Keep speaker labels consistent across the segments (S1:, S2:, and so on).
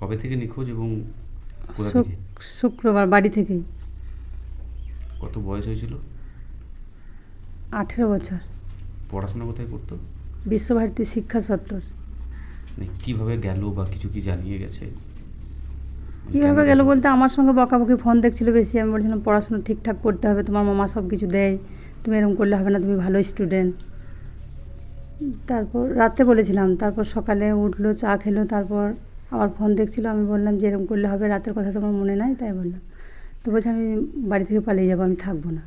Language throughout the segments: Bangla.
S1: কবে থেকে নিখোঁজ এবং কোথা থেকে?
S2: শুক্রবার বাড়ি থেকেই।
S1: কত বয়স হয়েছিল?
S2: 18 বছর।
S1: পড়াশোনা কোথায় করতো?
S2: বিশ্বভারতী শিক্ষা চত্বর।
S1: মানে কীভাবে গেল বা কিছু কি জানিয়ে গেছে? মানে কেন
S2: কীভাবে গেল
S1: গেল?
S2: বলতে আমার সঙ্গে বকাবকি, ফোন দেখছিল বেশি। আমি বলছিলাম পড়াশোনা ঠিকঠাক করতে হবে, তোমার মামা সব কিছু দেয়, তুমি এরকম করলে হবে না, তুমি ভালো স্টুডেন্ট। তারপর রাতে বলেছিলাম, তারপর সকালে উঠলো, চা খেলো, তারপর আবার ফোন দেখছিল। আমি বললাম যে এরকম করলে হবে, রাতের কথা তোমার মনে নাই, তাই বললাম। তো বলছে আমি বাড়ি থেকে পালিয়ে যাবো, আমি থাকবো না।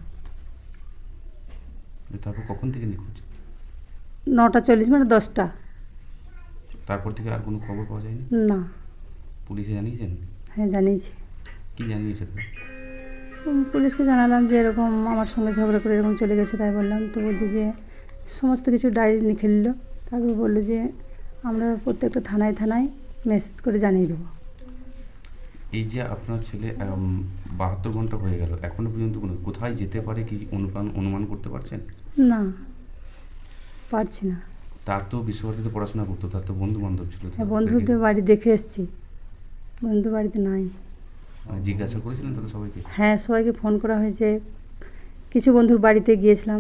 S1: তারপর কখন থেকে নিখোঁজ?
S2: 9টা 40 মানে 10টা।
S1: তারপর থেকে আর কোনো খবর পাওয়া যায়নি?
S2: না।
S1: পুলিশে জানিয়েছেন?
S2: হ্যাঁ, জানিয়েছি।
S1: কি জানিয়েছে তারা?
S2: পুলিশকে জানালাম যে এরকম আমার সঙ্গে ঝগড়া করে এরকম চলে গেছে, তাই বললাম। তো বলছে যে সমস্ত কিছু ডায়েরি লিখে নিল। তারপর বললো যে আমরা প্রত্যেকটা থানায় থানায় মেসেজ করে জানিয়ে দেবো।
S1: এই যে আপনার ছেলে 72 ঘন্টা হয়ে গেল, এখনো পর্যন্ত কোথায় যেতে পারে কি অনুমান করতে পারছেন?
S2: না, পারছি না।
S1: তার তো বিশ্বভারতীতে পড়াশোনা করতো, তার তো বন্ধু বান্ধব ছিল।
S2: হ্যাঁ, বন্ধুদের বাড়ি দেখে এসেছি, বন্ধু বাড়িতে নাই।
S1: মানে জিজ্ঞাসা করেছিলেন তাদের সবাইকে?
S2: হ্যাঁ, সবাইকে ফোন করা হয়েছে, কিছু বন্ধুর বাড়িতে গিয়েছিলাম।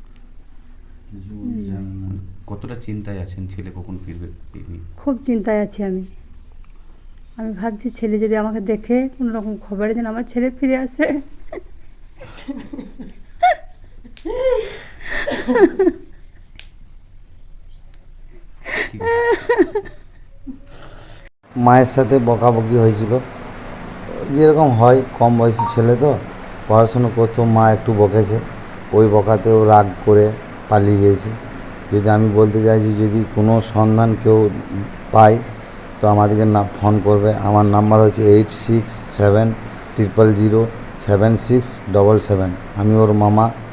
S1: মানে কতটা চিন্তায় আছেন ছেলে কখন ফিরবে এই নিয়ে?
S2: খুব চিন্তায় আছি আমি। আমি ভাবছি ছেলে যদি আমাকে দেখে কোনো রকম খবরে যেন আমার ছেলে ফিরে আসে।
S1: কি কথা?
S3: মায়ের সাথে বকাবকি হয়েছিল, যেরকম হয়, কম বয়সী ছেলে তো পড়াশুনো করতো, মা একটু বকেছে, ওই বকাতেও রাগ করে পালিয়ে গিয়েছে। যদি আমি বলতে চাইছি, যদি কোনো সন্ধান কেউ পায় তো আমাদেরকে ফোন করবে। আমার নাম্বার হচ্ছে 8670076777। আমি ওর মামা।